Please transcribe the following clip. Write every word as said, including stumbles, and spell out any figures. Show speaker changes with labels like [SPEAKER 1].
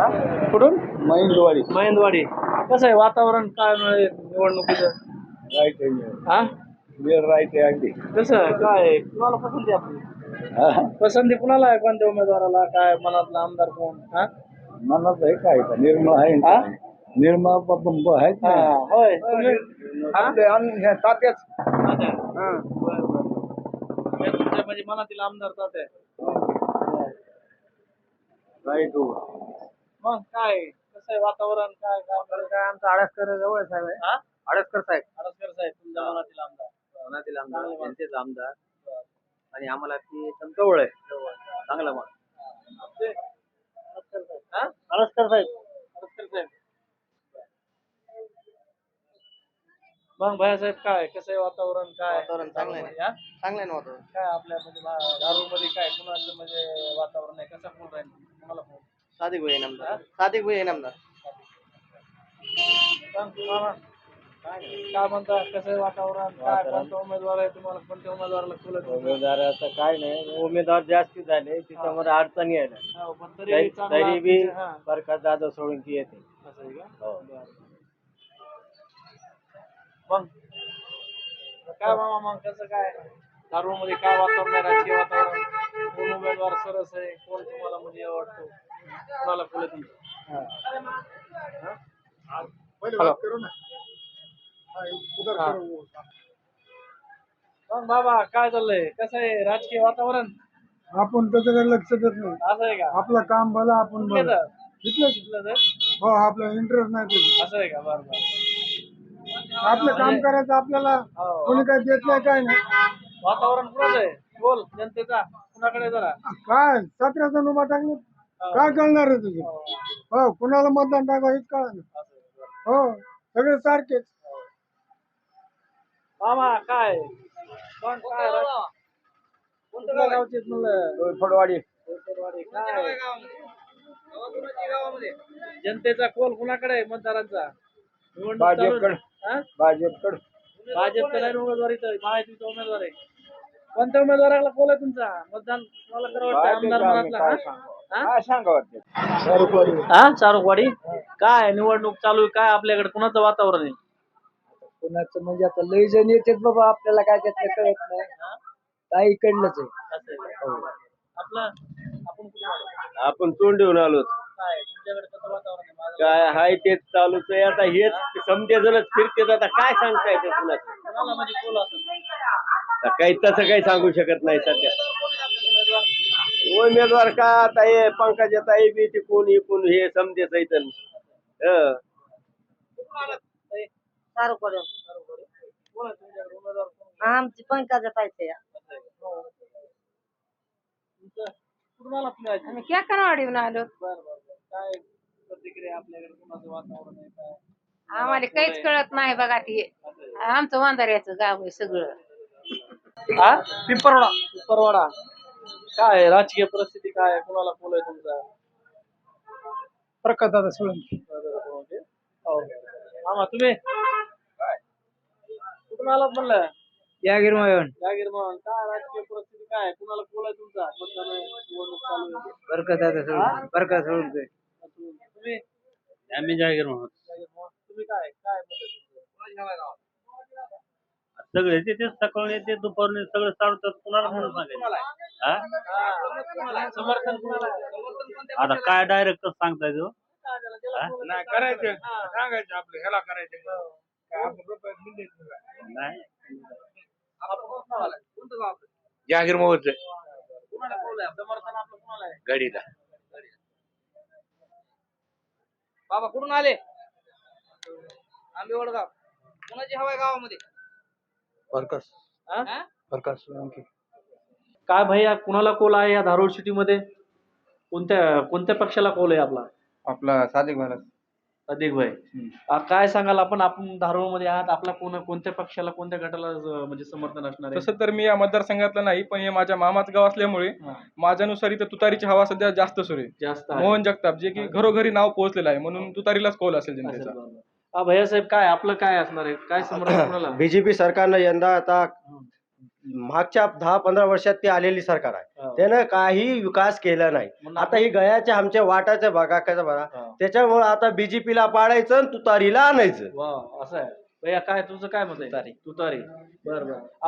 [SPEAKER 1] कुठून?
[SPEAKER 2] महिंदवाडी.
[SPEAKER 1] महेंदवाडी. कसं आहे वातावरण काय मिळेल निवडणुकीचं?
[SPEAKER 2] राईट आहे.
[SPEAKER 1] हा
[SPEAKER 2] वेळ राईट आहे अगदी.
[SPEAKER 1] कसं काय आहे? कुणाला पसंती आहे आपली? पसंती कुणाला आहे? कोणत्या उमेदवाराला? काय मनातला आमदार कोण? हा
[SPEAKER 2] मनात आहे काय का निर्मळ आहे
[SPEAKER 1] हा?
[SPEAKER 2] निर्मळ बाबा आहेत
[SPEAKER 1] हा,
[SPEAKER 2] ना.
[SPEAKER 1] होय तुम्ही? हा?
[SPEAKER 2] आपले अन- हे तात्याच.
[SPEAKER 1] तात्या.
[SPEAKER 2] हा.
[SPEAKER 1] बरं, बरं. हे तुमच्या म्हणजे मनातील आमदार तात्या.
[SPEAKER 2] राईट हो.
[SPEAKER 1] मग काय कसं आहे वातावरण? काय काय
[SPEAKER 2] काय आमचा आडसकर जवळ साहेब आहे.
[SPEAKER 1] हा?
[SPEAKER 2] आडसकर साहेब
[SPEAKER 1] आडसकर साहेब तुमच्या मनातील आमदार.
[SPEAKER 2] मनातील आमदार
[SPEAKER 1] चांगलं मान.
[SPEAKER 2] जनतेचा आमदार आणि आम्हाला ती एकदम जवळ आहे. चांगला मान.
[SPEAKER 1] ते आडसकर साहेब. हा?
[SPEAKER 2] आडसकर साहेब.
[SPEAKER 1] आडसकर साहेब. मग भैयासाहेब काय कसं आहे वातावरण? काय
[SPEAKER 2] वातावरण चांगलं आहे.
[SPEAKER 1] हा?
[SPEAKER 2] चांगलं आहे ना वातावरण.
[SPEAKER 1] काय आपल्या म्हणजे दारू मध्ये काय कुणाचं म्हणजे वातावरण आहे? कसं कोण राहील? तुम्हाला कोण?
[SPEAKER 2] सादिक भाई आमदार. सादिक भाई आमदार.
[SPEAKER 1] सांग तुम्हाला. काय म्हणता कसं आहे वातावरण? काय कोणता उमेदवार आहे तुम्हाला? कोणत्या उमेदवाराला फुलं देऊ?
[SPEAKER 2] उमेदवाराचं काय नाही, उमेदवार जास्त झाले त्याच्यामध्ये अडचणी आहे ना.
[SPEAKER 1] हो, पण तरी चांगला
[SPEAKER 2] तरी बी
[SPEAKER 1] तुमच्या- हा.
[SPEAKER 2] प्रकाश दादा सोळंकी येते.
[SPEAKER 1] असं आहे का?
[SPEAKER 2] हो.
[SPEAKER 1] बरं. मग काय मामा मग कसं काय दारू मध्ये काय वातावरण आहे? राजकीय वातावरण कोण उमेदवार सरस आहे? कोण तुम्हाला म्हणजे आवडतो? कोणाला फुलं देऊ? मग बाबा काय चाललंय? कसं आहे राजकीय वातावरण?
[SPEAKER 2] आपण त्याच्याकडे लक्ष देत नाही.
[SPEAKER 1] असं आहे का?
[SPEAKER 2] आपलं काम भलं आपण भलं.
[SPEAKER 1] कुठलं?
[SPEAKER 2] इथलंच.
[SPEAKER 1] कुठलं तर?
[SPEAKER 2] हो, आपला इंटरेस्ट नाही त्याच्यात.
[SPEAKER 1] असं आहे का? बरं बरं.
[SPEAKER 2] आपलं काम करायचं आपल्याला
[SPEAKER 1] हो.
[SPEAKER 2] कोणी काय देत नाही काय नाही.
[SPEAKER 1] वातावरण कुणाचं आहे? बोल जनतेचा कुणाकडे जरा
[SPEAKER 2] काय सतरा जण उभा टाकले काय कळणार आहे तुझं? हो, कुणाला मतदान टाका हेच कळणार. हो, सगळे सारखेच.
[SPEAKER 1] मामा काय कोण काय राज- कोणत्या गावचे आहेत म्हणलं?
[SPEAKER 2] फडवाडी.
[SPEAKER 1] कोपरवाडी. काय जनतेचा कोल कुणाकडे आहे? मतदारांचा निवडणूक चालू आहे.
[SPEAKER 2] भाजपकडे.
[SPEAKER 1] हा?
[SPEAKER 2] भाजपकडे.
[SPEAKER 1] भाजपचा नाही उमेदवार इथं महायुतीचा उमेदवार आहे. कोणत्या उमेदवाराला कोल आहे तुमचा? मतदान कोणाला करावं वाटतं? आमदार मनातला हा? हा?
[SPEAKER 2] काय सांगा वाटते?
[SPEAKER 1] हा चारुकवाडी. काय निवडणूक चालू आहे? काय आपल्याकडे कुणाचं वातावरण आहे?
[SPEAKER 2] कुणाचं म्हणजे आता लय जण येतात बाबा, आपल्याला काय त्यातलं कळत नाही. काही इकडलंच आहे.
[SPEAKER 1] असं आहे का? आपलं आपण कुठे आलो?
[SPEAKER 2] आपण तोंड देऊन आलो.
[SPEAKER 1] काय तुमच्याकडे कसं वातावरण आहे? माझं
[SPEAKER 2] काय हाय तेच चालूच आहे. आता हेच समजे जणच फिरते, आता काय सांगता येते कुणाचं?
[SPEAKER 1] कोणाला म्हणजे कोल असेल?
[SPEAKER 2] आता काही तसं काही सांगू शकत नाही सध्या.
[SPEAKER 1] उमेदवार
[SPEAKER 2] उमेदवार का आता हे पंकजा ताई बी ते कोण हे कोण हे समजेच इथं. हं.
[SPEAKER 3] चारुकवाडी.
[SPEAKER 1] कोण आहे तुमच्याकडे उमेदवार? कोण?
[SPEAKER 3] आमची पंकजा पाहिजे.
[SPEAKER 1] असं आहे का? तुमचं कुठून आलात तुम्ही आज?
[SPEAKER 3] आम्ही क्या कनवाडीहून आलो.
[SPEAKER 1] बरं बरं बरं. काय प्रतिक्रिया आपल्याकडे कुणाचं वातावरण आहे? काय
[SPEAKER 3] आम्हाला काहीच कळत नाही बघा ते.
[SPEAKER 1] असं आहे.
[SPEAKER 3] आमचं वांधाऱ्याचं गाव आहे सगळं.
[SPEAKER 1] हा पिंपरवाडा. पिंपरवाडा. काय आहे? राजकीय परिस्थिती काय आहे? कुणाला कोल आहे तुमचा?
[SPEAKER 2] प्रकाश दादा सोळंकी.
[SPEAKER 1] हो. मामा तुम्ही कुठून आलात म्हणलं?
[SPEAKER 2] यागिर मयन.
[SPEAKER 1] जागीर म्हणून. काय राजकीय परिस्थिती काय आहे? कुणाला कोल आहे तुमचा? मतदान आहे, निवडणूक चालू आहे.
[SPEAKER 2] प्रकाश दादा सोळंकी. प्रकाश सोळंकी.
[SPEAKER 1] तुम्ही
[SPEAKER 4] आम्ही जागीर म्हणून
[SPEAKER 1] जागीर म्हणून. तुम्ही काय काय मत आहे तुमचं?
[SPEAKER 4] सगळे ते तेच सकाळून येते दुपारून सगळं चालतात. कुणाला म्हणून सांगायचं हा?
[SPEAKER 1] हा. समर्थन कुणाला आहे?
[SPEAKER 4] आता काय डायरेक्ट सांगता येतो
[SPEAKER 1] काय झालं? त्याला
[SPEAKER 4] हा?
[SPEAKER 1] कोल आहे.
[SPEAKER 2] नाही करायचं,
[SPEAKER 1] हा.
[SPEAKER 2] सांगायचं आपलं ह्याला करायचं.
[SPEAKER 4] नाही
[SPEAKER 1] आपण कोणतं गाव आहे? कोणतं गाव आपलं?
[SPEAKER 2] जागीर मोहच
[SPEAKER 1] कुणाला कोल आहे? समर्थन आपलं कुणाला आहे?
[SPEAKER 2] गाडीला.
[SPEAKER 1] बाबा कुठून आले? आंबे वडगाव. कुणाची हवा आहे गावामध्ये?
[SPEAKER 2] प्रकाश.
[SPEAKER 1] हा?
[SPEAKER 2] प्रकाश सोळंकी.
[SPEAKER 1] काय भैया कुणाला कोल आहे या धारूर सिटी मध्ये? कोणत्या कोणत्या पक्षाला कोल आहे आपला?
[SPEAKER 2] आपला सादिक महाराज.
[SPEAKER 1] अधिक भाई. आ, काय सांगाल आपण आपण धारूर मध्ये आहात, आपला कोण कोणत्या पक्षाला कोणत्या गटाला ज- म्हणजे समर्थन असणार आहे?
[SPEAKER 5] तसं तर मी या मतदारसंघातला नाही, पण हे माझ्या मामाचं गाव असल्यामुळे
[SPEAKER 1] हा,
[SPEAKER 5] माझ्यानुसार इथं तुतारीची हवा सध्या जास्त सुरू आहे.
[SPEAKER 1] जास्त आहे.
[SPEAKER 5] मोहन जगताप जे की घरोघरी नाव पोहोचलेलं आहे, म्हणून तुतारीलाच कौल असेल
[SPEAKER 1] असेल
[SPEAKER 5] जनतेचा.
[SPEAKER 1] बरोबर. आ, भैया साहेब काय आपलं काय असणार आहे? काय समर्थन कोणाला?
[SPEAKER 6] बीजेपी सरकारनं यंदा आता मागच्या दहा पंधरा वर्षात ती आलेली सरकार आहे
[SPEAKER 1] हा.
[SPEAKER 6] त्यानं काही विकास केला नाही.
[SPEAKER 1] मग
[SPEAKER 6] आता ही गयाच्या आमच्या वाटाच्या बघा कसं बघा
[SPEAKER 1] हा.
[SPEAKER 6] त्याच्यामुळे आता बीजेपीला पाडायचं आणि तुतारीला आणायचं.
[SPEAKER 1] वा असं आहे भैया काय तुझं काय मत आहे
[SPEAKER 6] तुतारी.
[SPEAKER 1] तुतारी बरं बरं